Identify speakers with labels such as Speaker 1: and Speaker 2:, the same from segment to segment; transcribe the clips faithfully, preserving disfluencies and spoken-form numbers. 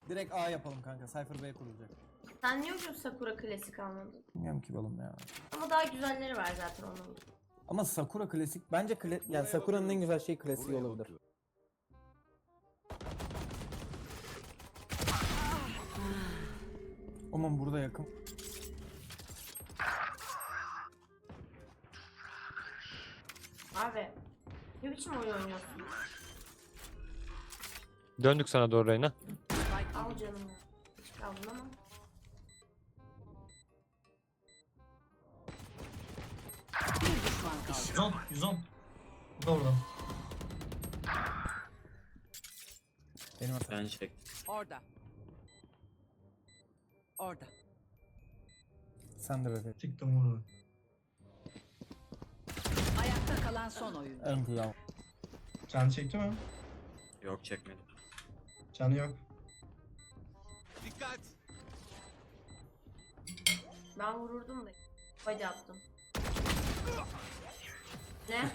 Speaker 1: Direkt A yapalım kanka. Cypher B kurulacak.
Speaker 2: Sen niye ucuz Sakura klasik almadın?
Speaker 1: Bilmiyorum ki oğlum ya.
Speaker 2: Ama daha güzelleri var zaten onun.
Speaker 1: Ama Sakura klasik bence kla yani Sakura'nın en güzel şey klasiği olabilir. Aman burada yakın.
Speaker 2: Abi ne biçim oyun oynuyorsun?
Speaker 3: Döndük sana doğru Reyna.
Speaker 2: Al canım. Hiç kaldın ama.
Speaker 4: yüz on, yüz on. Bu da orada.
Speaker 1: Benim hatam.
Speaker 5: Ben çektim.
Speaker 6: Orada. Orada.
Speaker 1: Sen de bebeğim.
Speaker 4: Çıktım vurdu.
Speaker 6: Ayakta kalan son oyun.
Speaker 1: Ön kulağım.
Speaker 4: Can çekti mi?
Speaker 5: Yok çekmedim.
Speaker 4: Canı yok.
Speaker 7: Dikkat.
Speaker 2: Ben vururdum da. Hadi attım. Ne?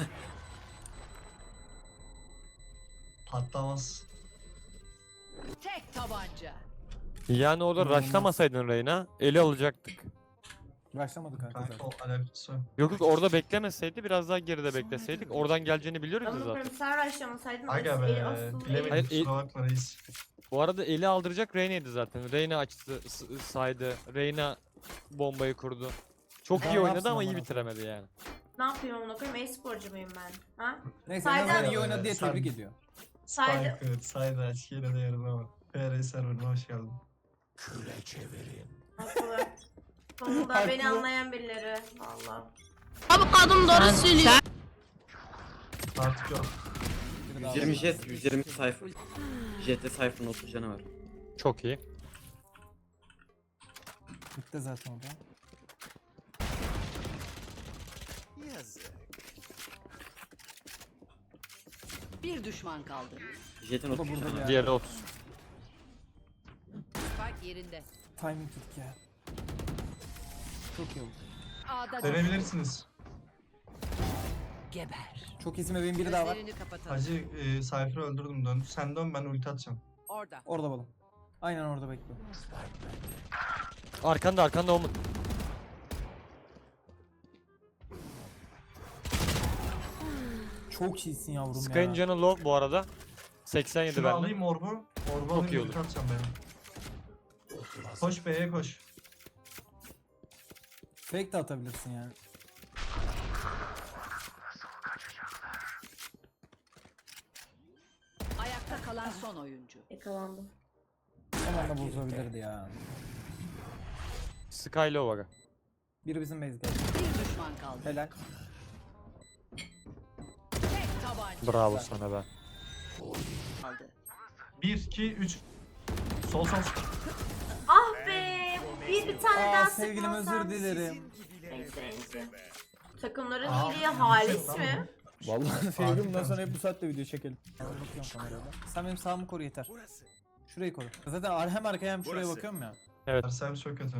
Speaker 4: Patlamaz.
Speaker 6: Tek tabanca.
Speaker 3: Yani orada
Speaker 1: İnanılmaz.
Speaker 3: rushlamasaydın Reyna eli alacaktık.
Speaker 1: Başlamadı kanka
Speaker 4: Kanka
Speaker 1: zaten.
Speaker 4: o alakası yok.
Speaker 3: Yok yok orada beklemeseydi biraz daha geride bekleseydik. Oradan geleceğini biliyoruz ya
Speaker 2: Onu
Speaker 3: zaten.
Speaker 2: koyayım sen rushlamasaydın.
Speaker 4: Aga
Speaker 2: eli
Speaker 4: be.
Speaker 2: asıl-
Speaker 4: Bilemedim
Speaker 3: Hayır, el-
Speaker 4: kusura bakma reis.
Speaker 3: Bu arada eli aldıracak Reyna'ydı zaten. Reyna açtı, s- saydı. Reyna bombayı kurdu. Çok
Speaker 1: Daha
Speaker 3: iyi
Speaker 1: ne
Speaker 3: oynadı
Speaker 1: yapsın
Speaker 3: ama iyi
Speaker 1: amına
Speaker 3: bitiremedi yani.
Speaker 2: Ne yapıyorum onu koyayım? E-sporcu muyum ben? Ha?
Speaker 1: Neyse
Speaker 2: Saydan-
Speaker 1: en azından iyi
Speaker 4: Ee,
Speaker 1: oynadı diye
Speaker 4: sen-
Speaker 1: tebrik ediyor.
Speaker 2: Saydı.
Speaker 4: Spike, Sayda, Açkiyle de yarın ama. P R serverine hoş geldin.
Speaker 2: Haklı. Sonunda
Speaker 1: Haklı.
Speaker 2: beni anlayan birileri. Valla.
Speaker 4: Artık yok.
Speaker 1: Biri daha
Speaker 5: yüz yirmi
Speaker 1: var.
Speaker 5: jet, yüz yirmi sayfa. Jet'te sayfanın otuz canı var.
Speaker 3: Çok iyi.
Speaker 1: Bitti zaten o da.
Speaker 7: Yazık.
Speaker 6: Bir düşman kaldı.
Speaker 5: Jet'in
Speaker 1: O da
Speaker 5: otuz
Speaker 1: burada
Speaker 5: canı
Speaker 1: bir
Speaker 5: var.
Speaker 3: Diğeri otuz.
Speaker 6: Spike yerinde.
Speaker 1: Timing tuttuk ya. Çok iyi oldu.
Speaker 6: A'da
Speaker 4: Dönebilirsiniz.
Speaker 6: geber.
Speaker 1: Çok iyisin bebeğim biri daha var.
Speaker 6: Gözlerini kapatalım.
Speaker 4: Hacı e, Cypher'ı öldürdüm dön. Sen dön ben ulti atacağım.
Speaker 6: Orada.
Speaker 1: Orada balım. Aynen orada bekliyor.
Speaker 3: Arkanda arkanda o mu?
Speaker 1: Çok iyisin yavrum
Speaker 3: Sky'ın
Speaker 1: ya.
Speaker 3: canı low bu arada. seksen yedi
Speaker 4: Şunu
Speaker 3: bende.
Speaker 4: alayım orbu. Orbu
Speaker 3: Çok
Speaker 4: alayım
Speaker 3: iyi
Speaker 4: ulti
Speaker 3: olur.
Speaker 4: atacağım benim. Koş B'ye koş.
Speaker 1: Fake de atabilirsin yani.
Speaker 6: Ayakta kalan son oyuncu.
Speaker 2: Yakalandım.
Speaker 1: Son anda bozulabilirdi ya.
Speaker 3: Sky low aga.
Speaker 1: Biri bizim base geldi.
Speaker 6: Bir düşman kaldı.
Speaker 1: Helal.
Speaker 6: Tek tabanca
Speaker 3: Bravo sana be.
Speaker 6: kaldı.
Speaker 4: bir, iki, üç. Sol sol.
Speaker 2: Ah be! Bir, bir tane
Speaker 1: Aa
Speaker 2: daha
Speaker 1: sevgilim
Speaker 2: sıkmasam.
Speaker 1: özür dilerim.
Speaker 2: Neyse neyse. Takımların
Speaker 4: Aa,
Speaker 2: iyiliği halis
Speaker 4: tamam.
Speaker 2: mi?
Speaker 1: Vallahi sevgilim bundan
Speaker 4: Harbiden.
Speaker 1: sonra hep bu saatte video çekelim. Ben bakıyorum kamerada. Sen benim sağımı koru yeter.
Speaker 7: Burası.
Speaker 1: Şurayı koru. Zaten ar- hem arkaya hem şuraya
Speaker 7: Burası.
Speaker 1: bakıyorum ya.
Speaker 4: Ersem çok kötü.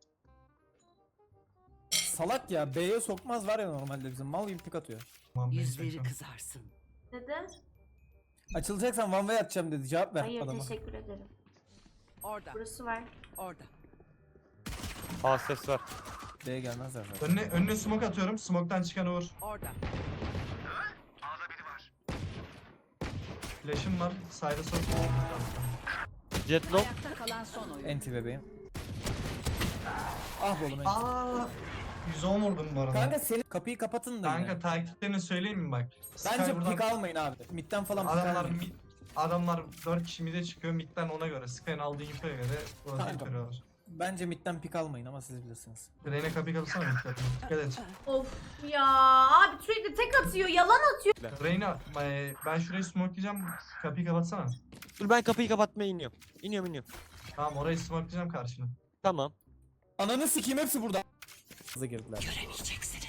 Speaker 1: Salak ya B'ye sokmaz var ya normalde bizim mal gibi tık atıyor.
Speaker 4: Tamam,
Speaker 6: Yüzleri
Speaker 4: bekliyorum.
Speaker 6: kızarsın.
Speaker 2: Neden?
Speaker 1: Açılacaksan one way atacağım dedi cevap ver
Speaker 2: Hayır
Speaker 1: adama.
Speaker 2: teşekkür ederim.
Speaker 6: Orada.
Speaker 2: Burası var.
Speaker 6: Orada.
Speaker 3: A ses var.
Speaker 1: B'ye gelmezler zaten.
Speaker 4: Önüne, önüne smoke atıyorum. Smoke'tan çıkan vur.
Speaker 6: Orada.
Speaker 4: Flash'ım var. Side'a sok.
Speaker 3: Jet low.
Speaker 6: Ayakta kalan son oyuncu.
Speaker 1: Enti bebeğim. Ah be oğlum enti.
Speaker 4: Aaa. yüz on vurdum bu arada.
Speaker 1: Kanka senin kapıyı kapatın da
Speaker 4: Kanka
Speaker 1: yine.
Speaker 4: taktiklerini söyleyeyim mi bak? Sky
Speaker 1: Bence
Speaker 4: buradan-
Speaker 1: pik almayın abi. Midden falan pik
Speaker 4: Adamlar
Speaker 1: almayın.
Speaker 4: mid, adamlar dört kişi mid'e çıkıyor. Mid'den ona göre. Sky'ın aldığı infoya göre rotate
Speaker 1: Kanka.
Speaker 4: veriyorlar.
Speaker 1: Bence midden pik almayın ama siz bilirsiniz.
Speaker 4: Reyne kapıyı kapatsana mid'den. Dikkat et.
Speaker 2: Of ya abi sürekli tek atıyor, yalan atıyor.
Speaker 4: Reyna e, ben şurayı smokelayacağım. Kapıyı kapatsana.
Speaker 3: Dur ben kapıyı kapatmaya iniyorum. İniyorum iniyorum.
Speaker 4: Tamam orayı smokelayacağım karşına.
Speaker 3: Tamam.
Speaker 1: Ananı sikeyim hepsi burada. Hızlı girdiler.
Speaker 6: Göremeyeceksiniz.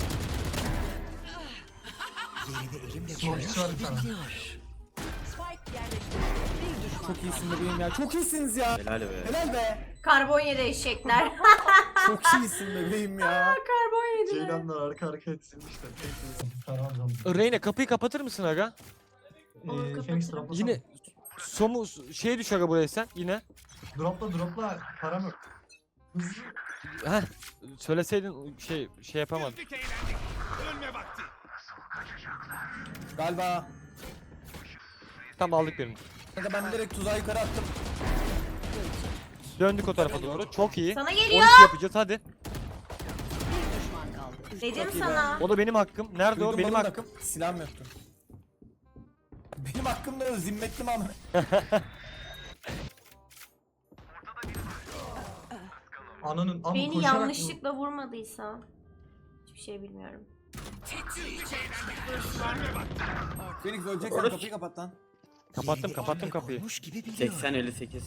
Speaker 4: Smokeçi var bir tane.
Speaker 6: Spike yerleşti. Bir düşman
Speaker 1: Çok
Speaker 6: kaldı.
Speaker 1: iyisin bebeğim ya. Çok iyisiniz ya.
Speaker 5: Helal be.
Speaker 1: Helal be.
Speaker 2: Karbon yedi eşekler.
Speaker 1: Çok iyisin bebeğim ya.
Speaker 2: Karbon yediler.
Speaker 4: Ceylanlar arka arkaya dizilmişler. Tamam canım.
Speaker 3: Reyna kapıyı kapatır mısın aga?
Speaker 2: Olur,
Speaker 4: Ee,
Speaker 2: kapatırım.
Speaker 4: Phoenix droplasana.
Speaker 3: Yine Somu şey düş aga buraya sen yine.
Speaker 4: Dropla dropla param yok. Hızlı.
Speaker 3: Heh. Söyleseydin şey şey yapamadım.
Speaker 7: Güldük eğlendik. Ölme vakti.
Speaker 1: Galiba.
Speaker 3: Tam aldık birini.
Speaker 1: Kanka ben direkt tuzağı yukarı attım.
Speaker 3: Döndük o tarafa doğru. Çok iyi.
Speaker 2: Sana
Speaker 3: on
Speaker 2: geliyor.
Speaker 3: iki yapacağız hadi.
Speaker 6: Bir düşman kaldı.
Speaker 2: Dedim
Speaker 1: Çok iyi
Speaker 2: sana.
Speaker 3: O da benim hakkım. Nerede
Speaker 1: Duydum
Speaker 3: o? Benim
Speaker 1: balon
Speaker 3: hakkım.
Speaker 1: takım. Silahım yoktu. Benim hakkımda o zimmetli mi ama?
Speaker 4: Ananın ama
Speaker 2: Beni
Speaker 4: koşarak
Speaker 2: yanlışlıkla vurmadıysa. Hiçbir şey bilmiyorum.
Speaker 1: Phoenix öleceksen
Speaker 5: Orası-
Speaker 1: kapıyı kapat lan.
Speaker 3: Kapattım kapattım kapıyı.
Speaker 5: seksen elli sekiz.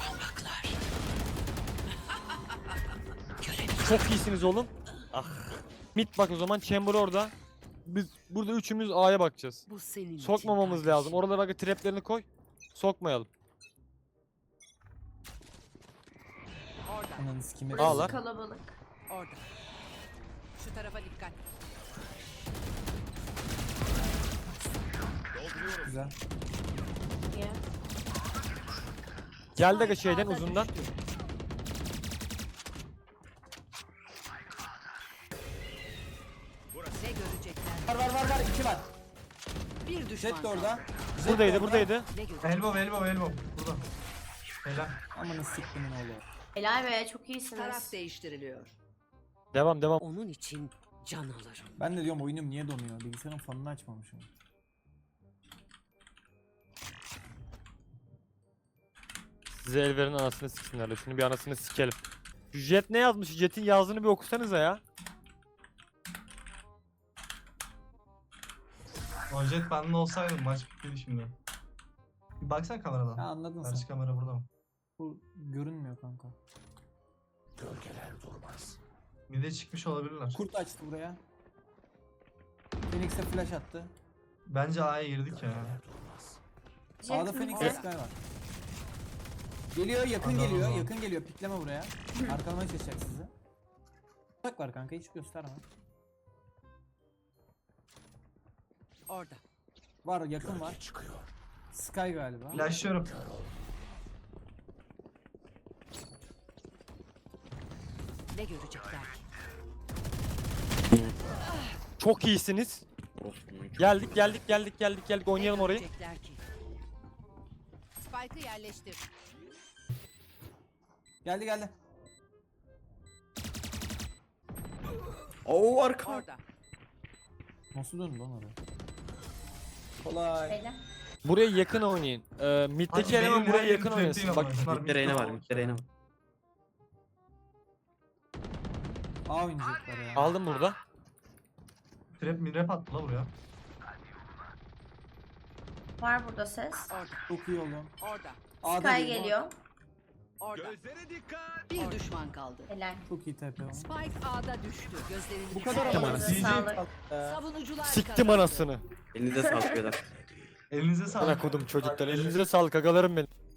Speaker 3: Çok iyisiniz oğlum. Ah. Mid bak o zaman Chamber orada. Biz burada üçümüz A'ya bakacağız.
Speaker 6: Bu senin için
Speaker 3: Sokmamamız
Speaker 6: kardeşim.
Speaker 3: lazım. Oralara bak traplerini koy. Sokmayalım.
Speaker 6: Orada.
Speaker 1: Ananı sikeyim.
Speaker 3: Al
Speaker 2: Burası
Speaker 3: lan.
Speaker 2: kalabalık.
Speaker 6: Orada. Şu tarafa dikkat.
Speaker 1: Güzel.
Speaker 2: Ya.
Speaker 3: Geldi aga şeyden
Speaker 6: Ağda
Speaker 3: uzundan.
Speaker 6: düştü. Ne görecekler?
Speaker 1: Var var var var. iki var.
Speaker 6: Bir düşman
Speaker 1: Jet de orada.
Speaker 6: kaldı.
Speaker 1: Jet de
Speaker 3: Buradaydı
Speaker 1: orada.
Speaker 3: buradaydı.
Speaker 6: Ne görecekler?
Speaker 4: Elbow elbow elbow. Burada. Helal.
Speaker 1: Amanı siktimin oğlu.
Speaker 2: Helal be çok
Speaker 6: Taraf
Speaker 2: iyisiniz.
Speaker 6: değiştiriliyor.
Speaker 3: Devam devam.
Speaker 6: Onun için can alırım.
Speaker 1: Ben de diyorum oyunum niye donuyor? Bilgisayarın fanını açmamışım.
Speaker 3: Size el verin anasını siksinler de. Şunu bir anasını sikelim. Şu Jet ne yazmış? Jet'in yazdığını bir okusanıza ya.
Speaker 4: O jet bende olsaydı maç bittiydi şimdi. Bir baksana
Speaker 1: Ha
Speaker 4: kameradan.
Speaker 1: anladın sen.
Speaker 4: Karşı kamera burada mı?
Speaker 1: Bu görünmüyor kanka.
Speaker 4: Bir de çıkmış olabilirler.
Speaker 1: Kurt açtı buraya. Phoenix'e flash attı.
Speaker 4: Bence A'ya girdik ya.
Speaker 2: Jet
Speaker 1: A'da
Speaker 2: mi
Speaker 1: Phoenix
Speaker 2: o?
Speaker 1: Sky var. Geliyor yakın
Speaker 4: Anladım,
Speaker 1: geliyor
Speaker 4: anladım.
Speaker 1: yakın geliyor pikleme buraya. Arkalamaya çalışacak sizi. Bak var kanka hiç gösterme.
Speaker 6: Orada.
Speaker 1: Var yakın var. Sky galiba.
Speaker 4: Flashlıyorum.
Speaker 6: Ne görecekler ki?
Speaker 3: Çok iyisiniz.
Speaker 5: Olsun.
Speaker 3: Geldik geldik geldik geldik geldik. Oynayalım
Speaker 6: Ne
Speaker 3: orayı.
Speaker 6: görecekler ki? Spike'ı yerleştir.
Speaker 1: Geldi geldi.
Speaker 5: Oo arka.
Speaker 6: Orada.
Speaker 1: Nasıl döndü lan oraya? Kolay.
Speaker 2: Helal.
Speaker 3: Buraya yakın oynayın. Ee, Mid'deki
Speaker 4: Hadi
Speaker 3: eleman
Speaker 4: benim
Speaker 3: buraya
Speaker 4: nereye
Speaker 3: yakın
Speaker 4: gittiğim
Speaker 3: oynasın.
Speaker 4: değil
Speaker 3: Bak
Speaker 4: ama. Bunlar
Speaker 5: Midde Reyna var.
Speaker 4: midde
Speaker 5: Midde Reyna var.
Speaker 1: A oynayacaklar ya.
Speaker 3: aldım burada.
Speaker 4: Trap mirap attı la buraya.
Speaker 2: Var burada ses.
Speaker 6: Orada.
Speaker 1: Çok iyi oğlum.
Speaker 6: Orada.
Speaker 1: A'da
Speaker 2: Sky
Speaker 1: bir-
Speaker 2: geliyor.
Speaker 6: Orada.
Speaker 7: Gözlere dikkat.
Speaker 6: Bir düşman kaldı.
Speaker 2: Helal.
Speaker 1: Çok iyi T P oğlum.
Speaker 6: Spike A'da düştü. Gözlerini
Speaker 1: Bu kadar
Speaker 2: Elinize
Speaker 1: ama.
Speaker 3: anasını.
Speaker 2: sağlık.
Speaker 1: Ee,
Speaker 6: Savunucular
Speaker 3: Siktim
Speaker 6: kazandı.
Speaker 3: anasını.
Speaker 5: Elinize sağlık beyler.
Speaker 4: Elinize
Speaker 3: Bana
Speaker 4: sağlık.
Speaker 3: kodum çocuklar. Elinize sağlık agalarım benim.